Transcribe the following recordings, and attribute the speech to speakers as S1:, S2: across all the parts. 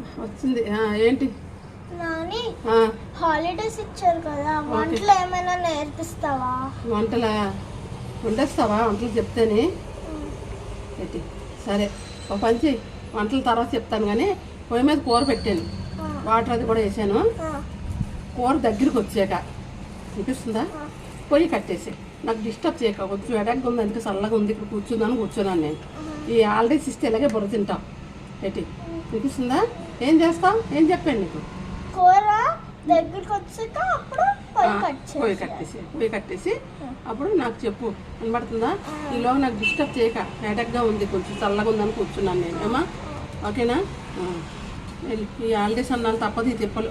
S1: వచ్చింది. ఏంటి
S2: నాని, హాలిడేస్ ఇచ్చారు కదా, వంటలు ఏమైనా నేర్పిస్తావా?
S1: వంటలా వండేస్తావా? వంటలు చెప్తేనే ఏంటి? సరే, ఒక పంచి వంటల తర్వాత చెప్తాను. కానీ పొయ్యి మీద కూర పెట్టాను, వాటర్ అది కూడా వేసాను. కూర దగ్గరికి వచ్చాక అనిపిస్తుందా? పొయ్యి కట్టేసి నాకు డిస్టర్బ్ చేయక, కొంచెం ఎడగ్గా ఉంది, అందుకే చల్లగా ఉంది, ఇక్కడ కూర్చుందాను కూర్చున్నాను నేను. ఈ హాలిడేస్ ఇస్తే ఇలాగే బుర్ర తింటాం. ఏంటి అనిపిస్తుందా? ఏం చేస్తావు? ఏం చెప్పాను నీకు?
S2: కూర దగ్గరికి వచ్చాక అప్పుడు
S1: పొయ్యి కట్టేసి అప్పుడు నాకు చెప్పు. వినబడుతుందా? ఈలో నాకు డిస్టర్బ్ చేయక, హెడక్గా ఉంది, కొంచెం చల్లగా ఉందని కూర్చున్నాను నేను. ఏమా ఓకేనా? ఈ హాలిడేస్ అన్నాను తప్పదు, ఈ తిప్పలు.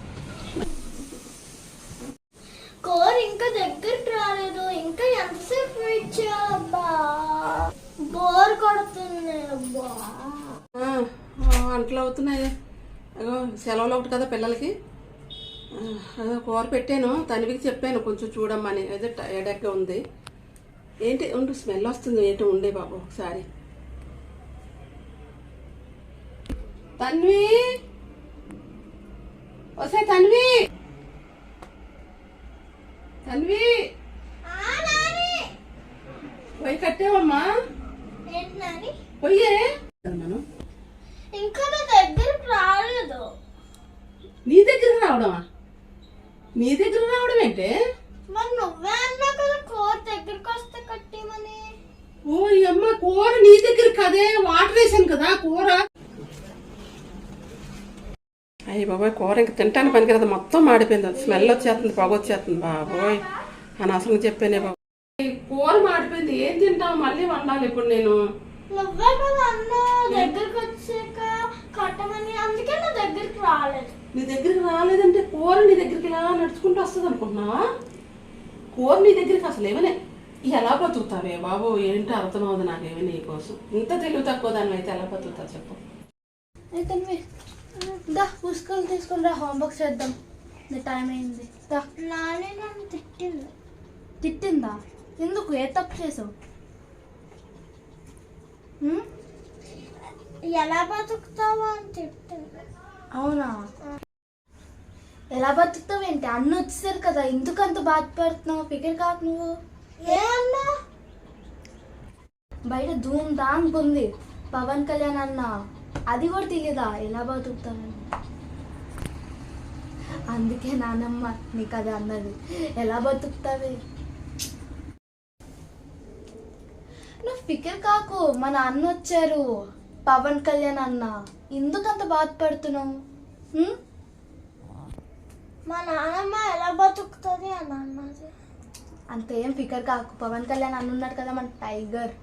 S2: కూర ఇంకా దగ్గరికి రాలేదు, ఇంకా ఎంతసేపు వెయిట్ చేయాలబ్బా? బోర్ కొడుతుంది అబ్బా.
S1: వంటలు అవుతున్నాయి. అదో సెలవులు ఒకటి కదా పిల్లలకి. అదో కూర పెట్టాను, తనివికి చెప్పాను కొంచెం చూడమ్మని. అదే ఎడగ్గా ఉంది. ఏంటి ఉండు, స్మెల్ వస్తుంది. ఏంటి ఉండే బాబు ఒకసారి. తన్వి, వస్తే తన్వి, తన్వి పొయ్యి కట్టేవమ్మా? పొయ్యే మనం
S2: ఇంకా నా దగ్గరికి రాలేదు.
S1: నీ దగ్గరికి రావడమా? నీ దగ్గర రావడం ఏంటే?
S2: మరి నువ్వే అన్నా కదా కూర దగ్గరికి వస్తే కట్టేమని.
S1: ఓ అమ్మ, కూర నీ దగ్గర కదే, వాటర్ వేసాను కదా కూర. అయ్యి బాబోయ్, కూర ఇంక తింటాను పనికి కదా, మొత్తం మాడిపోయింది. స్మెల్ వచ్చేస్తుంది, పొగ వచ్చేస్తుంది. బాబోయ్ అనవసరంగా చెప్పానే బాబు. కూర మాడిపోయింది, ఏం తింటావు? మళ్ళీ వండాలి ఇప్పుడు నేను.
S2: నువ్వే కదా అన్నా దగ్గరికి వచ్చాక కట్టమని, అందుకే నా దగ్గరికి రాలేదు.
S1: నీ దగ్గరికి రాలేదంటే కూర నీ దగ్గరికి ఇలా నడుచుకుంటూ వస్తుంది అనుకుంటున్నావా? కూర నీ దగ్గరికి అసలు ఏమనే ఎలా బతుకుతావే బాబు? ఏంటో అర్థమవుతుంది నాకేమీ నీ కోసం. ఇంత తెలివి తక్కువ దాన్ని అయితే ఎలా బతుకుతా చెప్పు.
S2: అయితే దా పుస్తకాలు తీసుకుని రా, హోంవర్క్ చేద్దాం. టైం అయింది. నానే నన్ను తిట్టింది.
S3: తిట్టిందా? ఎందుకు? ఏ తప్పు చేసావు?
S2: ఎలా బతుకుతావా అని తిట్టింది.
S3: అవునా? ఎలా బతుకుతావు ఏంటి? అన్న వచ్చేసారు కదా, ఎందుకు అంత బాధపడుతున్నావు? ఫిగర్ కాకు నువ్వు.
S2: ఏ అన్నా?
S3: బయట ధూమ్ ధామ్ ఉంది, పవన్ కళ్యాణ్ అన్న. అది కూడా తెలియదా ఎలా బతుకుతావని? అందుకే నానమ్మ నీకు అది అన్నది, ఎలా బతుకుతావి. నువ్వు ఫికర్ కాకు, మన అన్న వచ్చారు, పవన్ కళ్యాణ్ అన్న. ఎందుకు అంత బాధపడుతున్నావు?
S2: మా నాన్నమ్మ ఎలా బతుకుతుంది అని అన్నది.
S3: అంత ఏం ఫికర్ కాకు, పవన్ కళ్యాణ్ అన్న ఉన్నాడు కదా, మన టైగర్.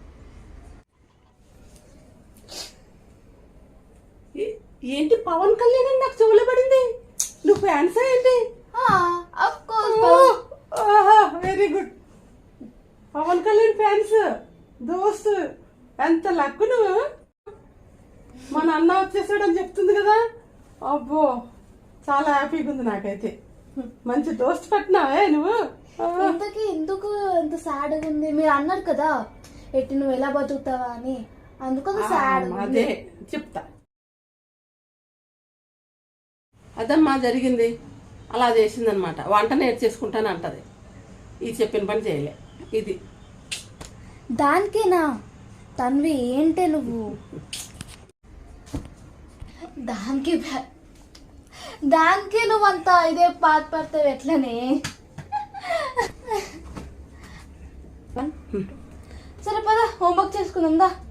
S1: ఏంటి పవన్ కళ్యాణ్ అని నాకు చెవులో పడింది? నువ్వు ఫ్యాన్స్ ఏంటి? Very good, Pawan Kalyan fans దోస్త్. ఎంత లక్ నువ్వు. మన అన్న వచ్చేసాడని చెప్తుంది కదా. అబ్బో చాలా హ్యాపీగా ఉంది నాకైతే. మంచి దోస్త్ పట్టినావే నువ్వు.
S3: ఇంతకీ ఎందుకు ఎంత సాడ్గా ఉంది? మీరు అన్నారు కదా ఎట్టి నువ్వు ఎలా బతుకుతావా అని, అందుకు సాడ్.
S1: అదే చెప్తా. అదమ్మా జరిగింది, అలా చేసిందనమాట. వంట నేర్చేసుకుంటాను అంటది. ఇది చెప్పిన పని చేయలే. ఇది
S3: దానికేనా? తన్వి ఏంటే నువ్వు? దానికే నువ్వు అంతా ఇదే బాధపడతావు ఎట్లనే? సరే పద, హోంవర్క్ చేసుకుందాం దా.